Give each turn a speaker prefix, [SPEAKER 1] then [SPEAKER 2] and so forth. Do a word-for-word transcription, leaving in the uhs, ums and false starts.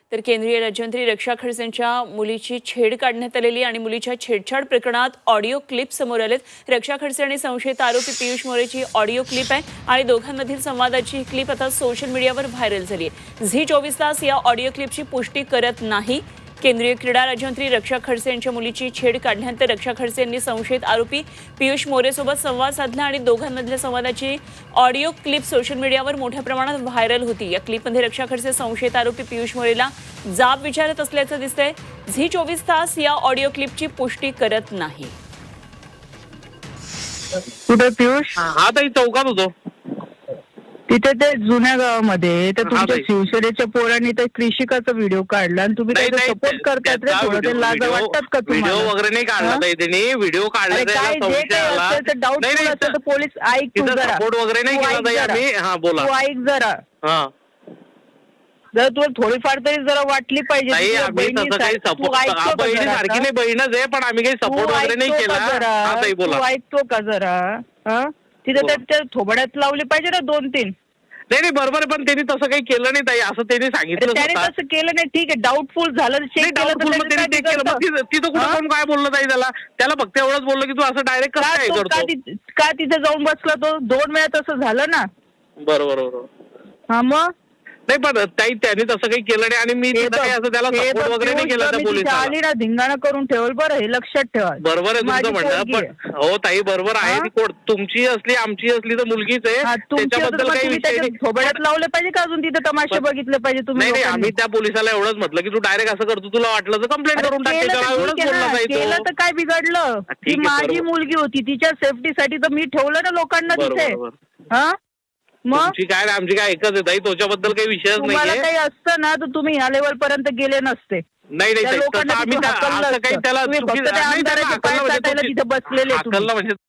[SPEAKER 1] तर केंद्रीय राज्यमंत्री रक्षा खडसेंच्या मुलीची छेड काढण्यात आलेली आणि मुलीच्या छेडछाड प्रकरणात ऑडिओ क्लिप समोर आलेत। रक्षा खडसे आणि संशयित आरोपी पियुष मोरेची ऑडिओ क्लिप आहे आणि दोघांमधील संवादाची क्लिप आता सोशल मीडियावर व्हायरल झाली आहे। झी चोवीस तास या ऑडिओ क्लिपची पुष्टी करत नाही। केंद्रीय क्रीडा राज्यमंत्री रक्षा खडसे यांच्या मुलीची छेड काढल्यानंतर रक्षा खडसे यांनी संशयित आरोपी पियुष मोरेसोबत संवाद साधला आणि दोघांमधल्या संवादाची ऑडिओ क्लिप सोशल मीडियावर मोठ्या प्रमाणात व्हायरल होती। या क्लिपमध्ये रक्षा खडसे संशयित आरोपी पियुष मोरेला जाब विचारत असल्याचं दिसतंय। झी चोवीस तास या ऑडिओ क्लिपची पुष्टी करत नाही।
[SPEAKER 2] कुठे पियुष?
[SPEAKER 3] हा ताई चौकात होतो
[SPEAKER 2] तिथे ते जुन्या गावामध्ये तर तुमच्या शिवसेनेच्या पोरांनी तर कृषिकाचा व्हिडिओ काढला आणि तुम्ही त्याचा सपोर्ट करतायत रे। थोडं ते लाज वाटतात का तुम्हाला?
[SPEAKER 3] व्हिडिओ वगैरे नाही काढला ताई त्यांनी, व्हिडिओ काढला
[SPEAKER 2] काय जे काही असेल तर डाऊटफुल असेल तर पोलीस ऐक तू जरा,
[SPEAKER 3] सपोर्ट वगैरे नाही केला ताई आम्ही। हा बोला,
[SPEAKER 2] तू ऐक जरा।
[SPEAKER 3] हा
[SPEAKER 2] जर तुला थोडीफार तरी जरा वाटली पाहिजे
[SPEAKER 3] ताई आम्ही तसं काही सपोर्ट, बहिणीसारखी नाही बहीणच आहे पण आम्ही काही सपोर्ट वगैरे नाही केला। हा ताई बोला,
[SPEAKER 2] तू ऐकतो का जरा? हा तिथे त्या थोबड्यात लावले पाहिजे ना दोन तीन।
[SPEAKER 3] नाही नाही बरोबर आहे पण त्यांनी तसं काही केलं नाही ताई, असं त्यांनी सांगितलं।
[SPEAKER 2] त्याने तसं केलं नाही, ठीक आहे डाऊटफुल झालं, चेक केलं
[SPEAKER 3] तिथं कुठं कोण काय बोललं ताई त्याला? त्याला फक्त एवढंच बोललं की तू असं डायरेक्ट कसं काय करतो?
[SPEAKER 2] का तिथे जाऊन बसला तो? दोन वेळा तसं झालं ना।
[SPEAKER 3] बरोबर बरोबर।
[SPEAKER 2] हा मग
[SPEAKER 3] नाही पण ताई त्याने तसं काही केलं नाही आणि मी असं त्याला सपोर्ट वगैरे नाही केला त्या पोलिसाला।
[SPEAKER 2] आली ना धिंगाणा करून ठेवल बरं, हे लक्षात ठेवा।
[SPEAKER 3] बरोबर आहे तुमचं म्हणणं, पण हो ताई बरोबर आहे, ती तुमची असली आमची असली तर मुलगीच आहे, त्याच्याबद्दल काही विषय नाही।
[SPEAKER 2] थोबड्यात लावले पाहिजे का अजून तिथे तमाशे बघितले पाहिजे तुम्ही?
[SPEAKER 3] नाही आम्ही त्या पोलिसाला एवढंच म्हटलं की तू डायरेक्ट असं करतो, तुला वाटलं तर कंप्लेंट करून टाक।
[SPEAKER 2] केलं तर काय बिघडलं? ती माझी मुलगी होती, तिच्या सेफ्टीसाठी तर मी ठेवलं ना लोकांना तिथे। हा मग
[SPEAKER 3] तुमची काय आमची काय एकच आहे ताई, त्याच्याबद्दल काही विषयच नाही।
[SPEAKER 2] तुम्हाला काही असतं ना तर तुम्ही ह्या लेवल पर्यंत गेले नसते।
[SPEAKER 3] नाही नाही
[SPEAKER 2] लोकांना
[SPEAKER 3] आम्ही असं काही त्याला
[SPEAKER 2] तिथे बसलेले तुम्ही।
[SPEAKER 3] म्हणजे